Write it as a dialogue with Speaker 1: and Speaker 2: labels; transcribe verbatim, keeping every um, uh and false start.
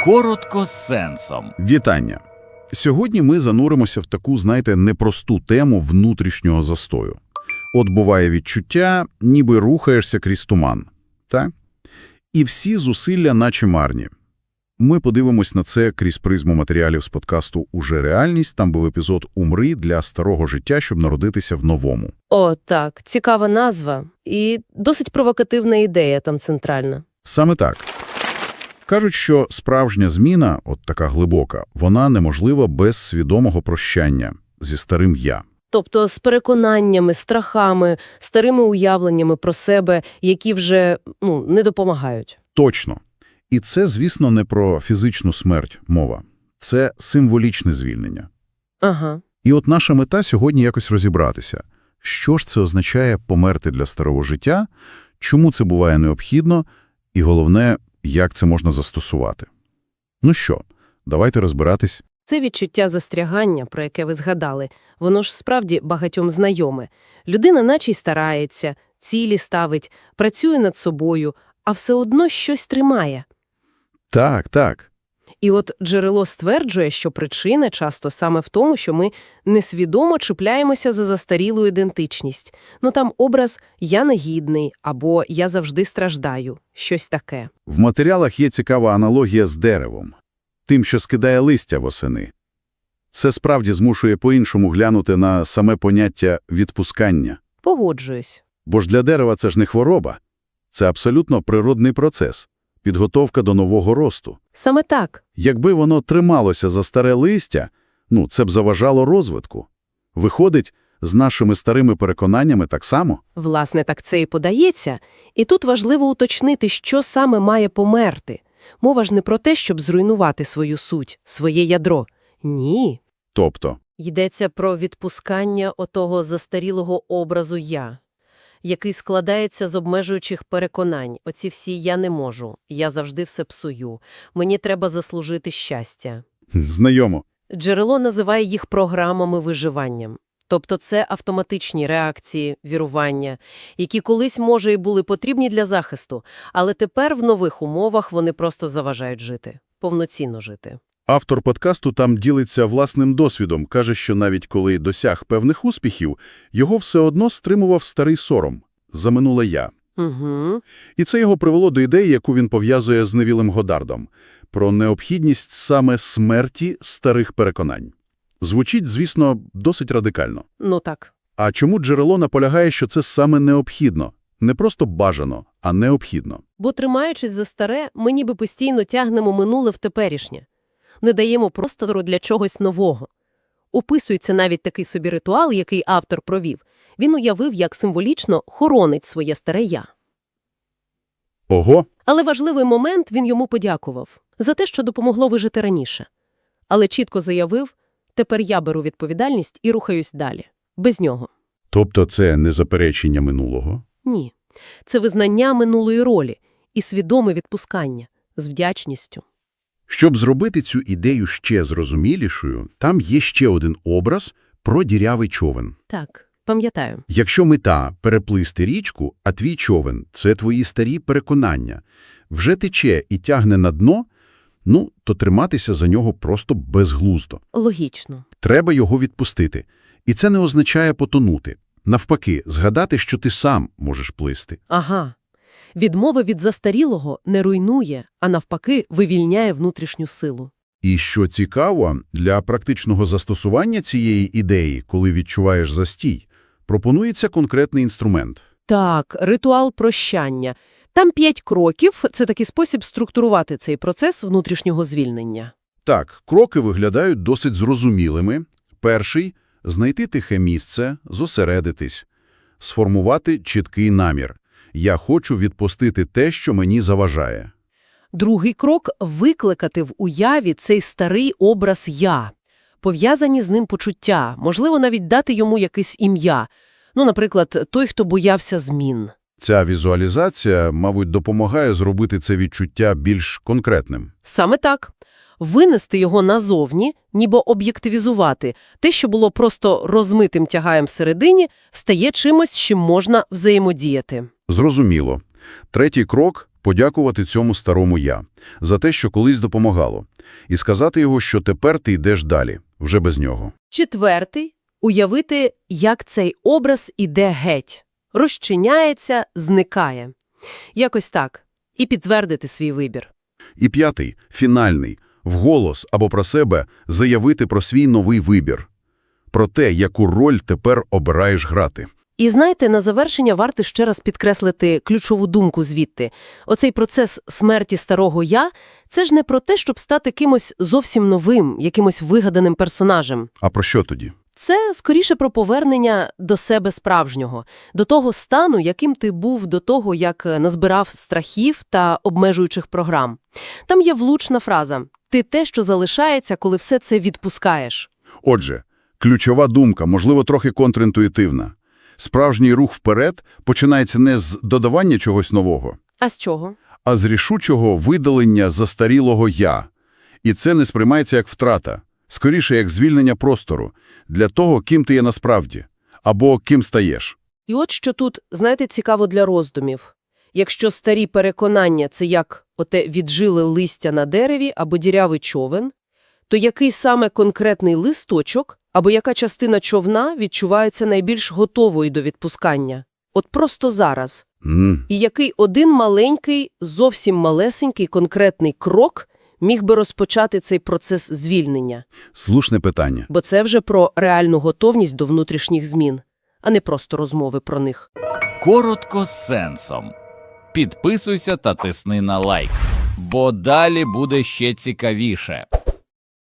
Speaker 1: Коротко з сенсом.
Speaker 2: Вітання! Сьогодні ми зануримося в таку, знаєте, непросту тему внутрішнього застою. От буває відчуття, ніби рухаєшся крізь туман. Так? І всі зусилля наче марні. Ми подивимось на це крізь призму матеріалів з подкасту «Уже реальність». Там був епізод «Умри для старого життя, щоб народитися в новому».
Speaker 3: О, так. Цікава назва. І досить провокативна ідея там центральна.
Speaker 2: Саме так. Кажуть, що справжня зміна, от така глибока, вона неможлива без свідомого прощання зі старим «я».
Speaker 3: Тобто з переконаннями, страхами, старими уявленнями про себе, які вже ну, не допомагають.
Speaker 2: Точно. І це, звісно, не про фізичну смерть мова. Це символічне звільнення.
Speaker 3: Ага.
Speaker 2: І от наша мета сьогодні якось розібратися. Що ж це означає померти для старого життя, чому це буває необхідно, і головне, як це можна застосувати. Ну що, давайте розбиратись.
Speaker 3: Це відчуття застрягання, про яке ви згадали, воно ж справді багатьом знайоме. Людина наче й старається, цілі ставить, працює над собою, а все одно щось тримає.
Speaker 2: Так, так.
Speaker 3: І от джерело стверджує, що причина часто саме в тому, що ми несвідомо чіпляємося за застарілу ідентичність. Ну там образ «я негідний» або «я завжди страждаю», щось таке.
Speaker 2: В матеріалах є цікава аналогія з деревом. Тим, що скидає листя восени. Це справді змушує по-іншому глянути на саме поняття «відпускання».
Speaker 3: Погоджуюсь.
Speaker 2: Бо ж для дерева це ж не хвороба. Це абсолютно природний процес. Підготовка до нового росту.
Speaker 3: Саме так.
Speaker 2: Якби воно трималося за старе листя, ну, це б заважало розвитку. Виходить, з нашими старими переконаннями так само?
Speaker 3: Власне, так це і подається. І тут важливо уточнити, що саме має померти. Мова ж не про те, щоб зруйнувати свою суть, своє ядро. Ні.
Speaker 2: Тобто?
Speaker 3: Йдеться про відпускання отого застарілого образу «я», який складається з обмежуючих переконань. Оці всі «я не можу», «я завжди все псую», «мені треба заслужити щастя».
Speaker 2: Знайомо.
Speaker 3: Джерело називає їх програмами виживанням. Тобто це автоматичні реакції, вірування, які колись, може, і були потрібні для захисту, але тепер в нових умовах вони просто заважають жити, повноцінно жити.
Speaker 2: Автор подкасту там ділиться власним досвідом, каже, що навіть коли досяг певних успіхів, його все одно стримував старий сором за минуле «я».
Speaker 3: Угу.
Speaker 2: І це його привело до ідеї, яку він пов'язує з Невілем Годдардом, про необхідність саме смерті старих переконань. Звучить, звісно, досить радикально.
Speaker 3: Ну так.
Speaker 2: А чому джерело наполягає, що це саме необхідно? Не просто бажано, а необхідно.
Speaker 3: Бо, тримаючись за старе, ми ніби постійно тягнемо минуле в теперішнє. Не даємо простору для чогось нового. Описується навіть такий собі ритуал, який автор провів. Він уявив, як символічно хоронить своє старе «я».
Speaker 2: Ого!
Speaker 3: Але важливий момент, він йому подякував. За те, що допомогло вижити раніше. Але чітко заявив, тепер я беру відповідальність і рухаюсь далі. Без нього.
Speaker 2: Тобто це не заперечення минулого?
Speaker 3: Ні. Це визнання минулої ролі і свідоме відпускання з вдячністю.
Speaker 2: Щоб зробити цю ідею ще зрозумілішою, там є ще один образ про дірявий човен.
Speaker 3: Так, пам'ятаю.
Speaker 2: Якщо мета – переплисти річку, а твій човен – це твої старі переконання, вже тече і тягне на дно, ну, то триматися за нього просто безглуздо.
Speaker 3: Логічно.
Speaker 2: Треба його відпустити. І це не означає потонути. Навпаки, згадати, що ти сам можеш плисти.
Speaker 3: Ага. Відмова від застарілого не руйнує, а навпаки вивільняє внутрішню силу.
Speaker 2: І що цікаво, для практичного застосування цієї ідеї, коли відчуваєш застій, пропонується конкретний інструмент.
Speaker 3: Так, ритуал прощання. Там п'ять кроків – це такий спосіб структурувати цей процес внутрішнього звільнення.
Speaker 2: Так, кроки виглядають досить зрозумілими. Перший – знайти тихе місце, зосередитись, сформувати чіткий намір. Я хочу відпустити те, що мені заважає.
Speaker 3: Другий крок – викликати в уяві цей старий образ «я». Пов'язані з ним почуття, можливо, навіть дати йому якесь ім'я. Ну, наприклад, той, хто боявся змін.
Speaker 2: Ця візуалізація, мабуть, допомагає зробити це відчуття більш конкретним.
Speaker 3: Саме так. Винести його назовні, ніби об'єктивізувати. Те, що було просто розмитим тягаєм всередині, стає чимось, з чим можна взаємодіяти.
Speaker 2: Зрозуміло. Третій крок – подякувати цьому старому «я» за те, що колись допомагало, і сказати його, що тепер ти йдеш далі, вже без нього.
Speaker 3: Четвертий – уявити, як цей образ іде геть. Розчиняється, зникає. Якось так. І підтвердити свій вибір.
Speaker 2: І п'ятий, фінальний, вголос або про себе заявити про свій новий вибір. Про те, яку роль тепер обираєш грати.
Speaker 3: І знаєте, на завершення варто ще раз підкреслити ключову думку звідти. Оцей процес смерті старого «я» – це ж не про те, щоб стати кимось зовсім новим, якимось вигаданим персонажем.
Speaker 2: А про що тоді?
Speaker 3: Це, скоріше, про повернення до себе справжнього, до того стану, яким ти був до того, як назбирав страхів та обмежуючих програм. Там є влучна фраза «ти те, що залишається, коли все це відпускаєш».
Speaker 2: Отже, ключова думка, можливо, трохи контрінтуїтивна. Справжній рух вперед починається не з додавання чогось нового,
Speaker 3: А з чого?
Speaker 2: а з рішучого видалення застарілого «я». І це не сприймається як втрата, скоріше як звільнення простору для того, ким ти є насправді, або ким стаєш.
Speaker 3: І от що тут, знаєте, цікаво для роздумів. Якщо старі переконання – це як оте віджиле листя на дереві або дірявий човен, то який саме конкретний листочок або яка частина човна відчувається найбільш готовою до відпускання? От просто зараз.
Speaker 2: М.
Speaker 3: І який один маленький, зовсім малесенький конкретний крок міг би розпочати цей процес звільнення?
Speaker 2: Слушне питання.
Speaker 3: Бо це вже про реальну готовність до внутрішніх змін, а не просто розмови про них.
Speaker 1: Коротко з сенсом. Підписуйся та тисни на лайк, бо далі буде ще цікавіше.